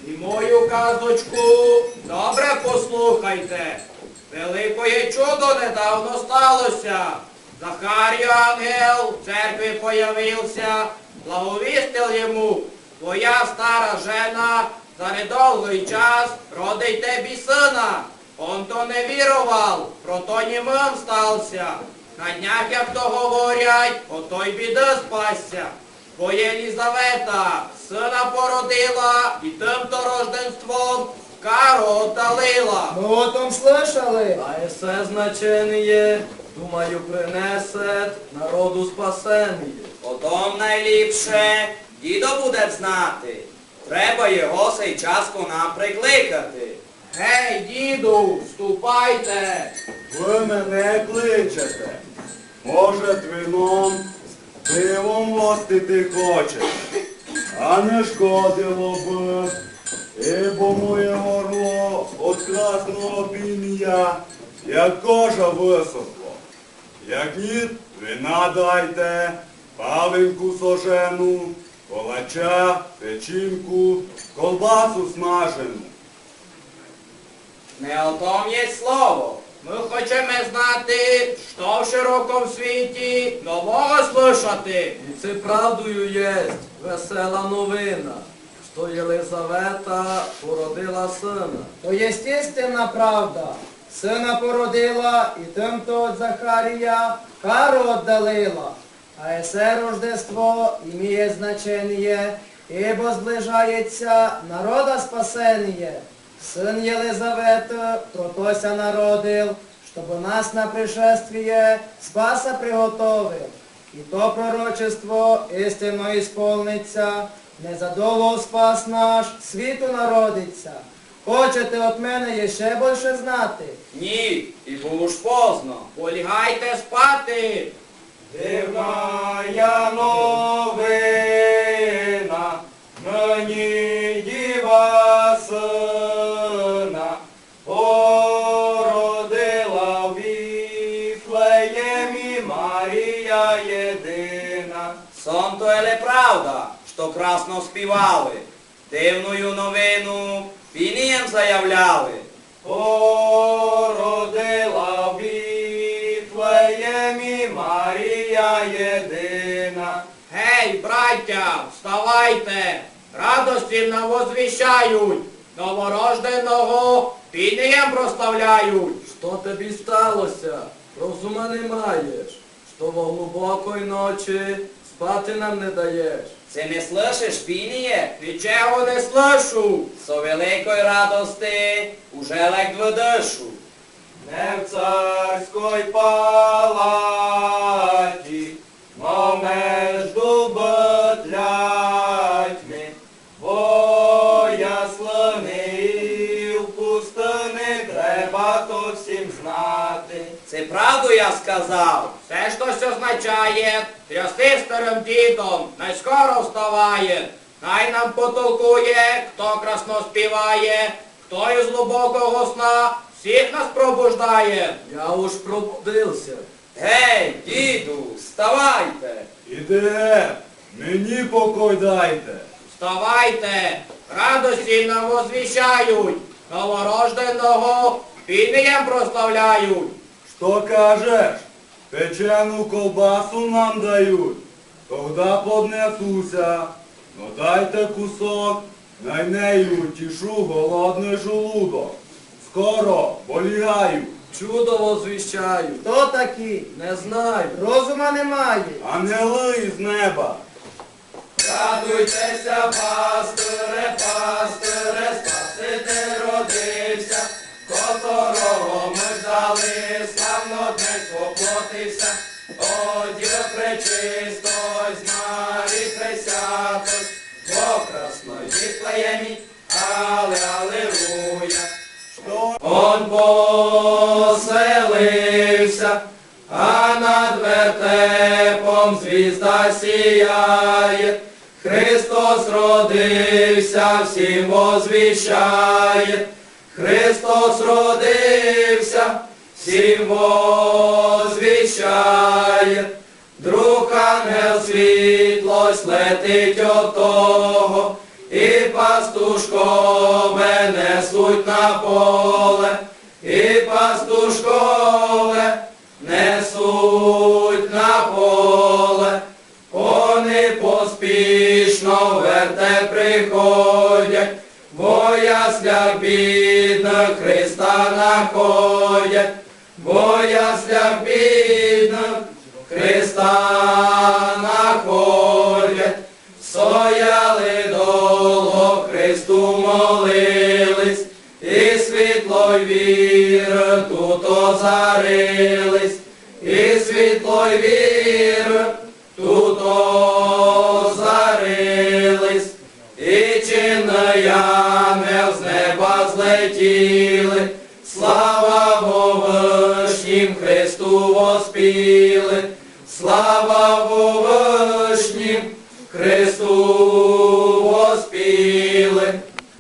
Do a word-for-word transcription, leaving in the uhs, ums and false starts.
І мою казочку добре послухайте. Великое чудо недавно сталося. Захарію ангел в церкві появився, благовістив йому: твоя стара жена за недовгий час родить тебе сина. Он то не вірував, прото німим стався. На днях, як то говорять, ото й біди спасся. Бо Єлізавета сина породила і тим-то рожденством кару отдалила. Мы о том слышали. А есе значение, думаю, принесе народу спасення. Потом найліпше дідо буде знати. Треба його сей часку нам прикликати. Гей, діду, вступайте. Ви мене кличете. Може, вином, пивом гостити хочеш, а не шкодило б, ібо моє горло от красного пін'я, як кожа висохло. Як ні, вина дайте, паленьку сожену, колача, печінку, колбасу смажену. Не о том є слово. Ми хочемо знати, що в широкому світі нового слушати. І це правдою єсть весела новина, що Єлизавета породила сина. То естественна правда. Сина породила і тим-то от Захарія кару отдалила. А есе рождество іміє значення, ібо зближається народа спасення. Сын Елизаветы протося народил, чтобы нас на пришествие спаса приготовил. И то пророчество истинно исполнится, незадолу спас наш світу народиться. Хочете от мене ще більше знати? Ні, і було ж поздно. Полягайте спати. Дивна я новина, мені діва сина породила в Віфлеємі Марія єдина. Сон то еле правда, що красно співали. Дивною новину пінієм заявляли. Породила в Віфлеємі Марія єдина. Гей, браття, вставайте. Радості нам возвіщають. Новорожденого пінієм прославляють. Що тобі сталося? Розума не маєш, що во глибокої ночі спати нам не даєш. Це не слышиш, пініє? Нічого не слышу. Со великої радости уже ледь видишу. Не в царській палаті, но между бетлятьми, бо яслини і в пустини треба то всім знати. Це правду я сказав. Все щось означає, трясти старим дідом, не скоро вставає. Най нам потолкує, хто красно співає, хто із глибокого сна всіх нас пробуждає. Я уж пробудився. Гей, діду, вставайте. Іде, мені покой дайте. Вставайте, радості нам возвіщають, новорожденого пінієм прославляють. Що кажеш? Печену колбасу нам дають. Тогда поднесуся. Ну дайте кусок, най нею тішу голодний желудок. Скоро полягаю. Чудо возвіщаю. Хто такі? Не знаю. Розума немає. Ангели із неба. Радуйтеся, пастире, пастире, Спаситель родився, которого ми ждали, славно днесь воплотився. О, Діво пречистой, з Марії пресятой, бо красной Віфлеємі, але алелуя. Он поселився, а над вертепом звізда сіяє. Христос родився, всім возвіщає. Христос родився, всім возвіщає. Друг ангел світлость летить от того, і пастушко приходять, во яслях бідних Христа находять, во яслях бідних Христа находять. Стояли довго, Христу молились, і світло й віри тут озарились, і світло й віри тут озарились, і чинний ангел з неба злетіли, слава Вовишнім Христу воспіли, слава Вовишнім